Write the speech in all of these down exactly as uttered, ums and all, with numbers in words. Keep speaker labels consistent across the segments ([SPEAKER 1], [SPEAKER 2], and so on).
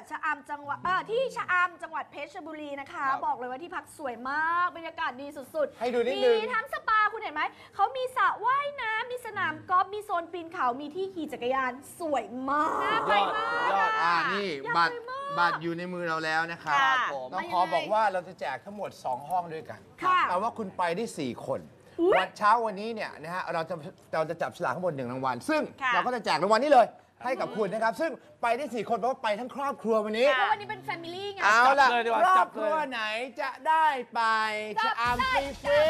[SPEAKER 1] ชะอำจังหวัดเออที่ชะอำจังหวัดเพชรบุรีนะคะบอกเลยว่าที่พักสวยมากบรรยากาศดีสุดๆ
[SPEAKER 2] ให้ดูนิดนึง
[SPEAKER 1] มีทั้งสปาคุณเห็นไหมเขามีสระว่ายน้ำมีสนามกอล์ฟมีโซนปีนเขามีที่ขี่จักรยานสวยมากไปมาก
[SPEAKER 2] ยอดอ่านี่บัตรบัตรอยู่ในมือเราแล้วนะครับน้องขอบอกว่าเราจะแจกทั้งหมดสองห้องด้วยกันแต่ว่าคุณไปได้สี่คนวันเช้าวันนี้เนี่ยนะฮะเราจะเราจะจับฉลากทั้งหมดหนึ่งรางวัลซึ่งเราก็จะแจกรางวัลนี้เลยให้กับคุณนะครับซึ่งไปได้สี่คนเพราะว่าไปทั้งครอบครัววันนี้
[SPEAKER 1] เพราะวันนี้เป็นแฟมิลี่ไง
[SPEAKER 2] เอาล่ะครอบครัวไหนจะได้ไปชะอำฟรีฟรี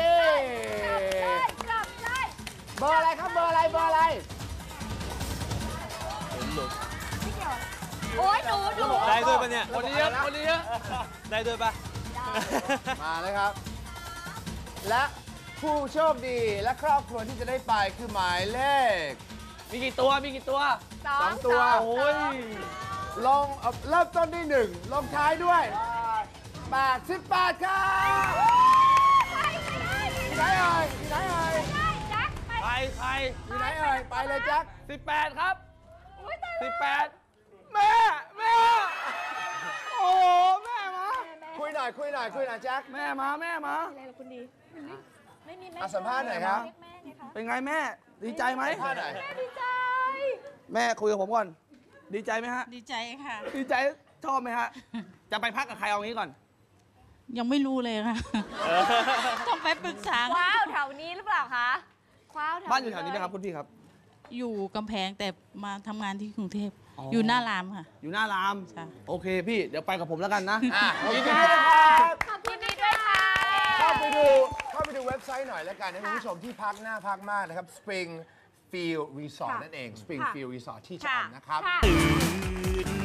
[SPEAKER 2] เบอร์อะไรครับเบอร์อะไรเบอร์อะไร
[SPEAKER 1] โอ้ยหนูหนู
[SPEAKER 3] ได้ด้วยปะเนี่ยคนนี้เยอะคนนี้เยอะได้ด้วยปะ
[SPEAKER 2] มาเลยครับและผู้โชคดีและครอบครัวที่จะได้ไปคือหมายเลข
[SPEAKER 3] มีกี่ตัวมีกี่ตัว
[SPEAKER 2] สองตัว
[SPEAKER 3] โอ้ย
[SPEAKER 2] ลงเริ่มต้นที่หนึ่งลงท้ายด้วยแปดสิบแปดครับที่ไหนเอ่ยที่ไหนเอ่ย
[SPEAKER 3] ใครใคร
[SPEAKER 2] ที่ไหนเอ่ยไปเลยแจ็ค
[SPEAKER 3] สิบแปดครับสิบแปดแม่แม่โอ้แม่มา
[SPEAKER 2] คุยหน่อยคุยหน่อยคุยหน่อยแจ็ค
[SPEAKER 3] แม่มาแม่มา
[SPEAKER 1] อะไรล่ะคุณดีไม่มีแม่
[SPEAKER 2] สัมภาษณ์หน่อยครับ
[SPEAKER 3] เป็นไงแม่ดีใจไหม
[SPEAKER 2] สัมภาษณ์หน่อย
[SPEAKER 1] แม่ดีใจ
[SPEAKER 3] แม่คุยกับผมก่อนดีใจไหมฮะ
[SPEAKER 4] ดีใจค่ะ
[SPEAKER 3] ดีใจชอบไหมฮะจะไปพักกับใครเอางี้ก่อน
[SPEAKER 4] ยังไม่รู้เลยค่ะต้องไปปรึกษา
[SPEAKER 1] ว้าวแถวนี้หรือเปล่าคะว้าว
[SPEAKER 3] บ้านอยู่แถวนี้ไหมครับคุณพี่ครับ
[SPEAKER 4] อยู่กำแพงแต่มาทำงานที่กรุงเทพอยู่หน้ารามค่ะ
[SPEAKER 3] อยู่หน้ารามโอเคพี่เดี๋ยวไปกับผมแล้วกันนะ
[SPEAKER 2] ยินดีด้วยครับ
[SPEAKER 1] ขอบคุณดีด้วยค่ะ
[SPEAKER 2] เข้าไปดูเข้าไปดูเว็บไซต์หน่อยแล้วกันนะคุณผู้ชมที่พักหน้าพักมากนะครับ Springfield Resort นั่นเอง Springfield Resort ที่ชะอำนะครับ